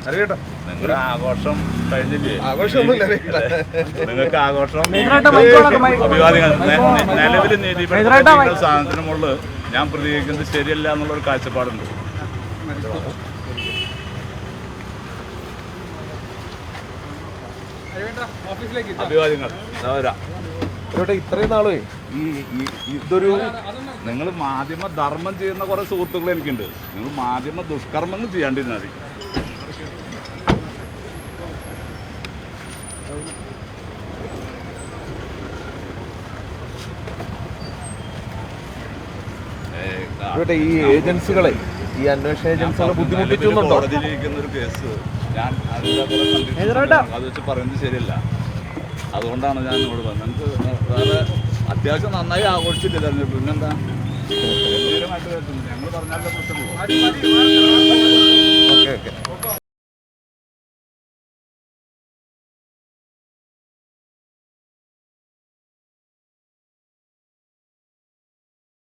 നിങ്ങളുടെ ആഘോഷം കഴിഞ്ഞില്ലേ? നിങ്ങൾക്ക് ആഘോഷം അഭിവാദികൾ നിലവിൽ നീതിപീഠ സാധനത്തിന് മുകളിൽ ഞാൻ പ്രതികരിക്കുന്നത് ശരിയല്ല എന്നുള്ളൊരു കാഴ്ചപ്പാടുണ്ട്. അഭിവാദ്യങ്ങൾ. ഇത്രയും നാളെ ഇതൊരു നിങ്ങൾ മാധ്യമ ധർമ്മം ചെയ്യുന്ന കുറെ സുഹൃത്തുക്കൾ എനിക്കുണ്ട്. നിങ്ങൾ മാധ്യമ ദുഷ്കർമ്മങ്ങൾ ചെയ്യാണ്ടിരുന്നാൽ മതി. ഈ ഏജൻസികളെ ഈ അന്വേഷണ ഏജൻസികളെ ബുദ്ധിമുട്ടിച്ചുന്നുണ്ടോ? കോടതിയിലിരിക്കുന്ന ഒരു കേസ് ഞാൻ അത് വെച്ച് പറയുന്നത് ശരിയല്ല. അതുകൊണ്ടാണ് ഞാൻ ഇവിടെ വന്നത്. നിങ്ങൾക്ക് വേറെ അത്യാവശ്യം നന്നായി ആഘോഷിച്ചിട്ട് തെരഞ്ഞെടുപ്പ് പിന്നെന്താ? ഞങ്ങൾ പറഞ്ഞാലേ പ്രശ്നമുള്ളൂ.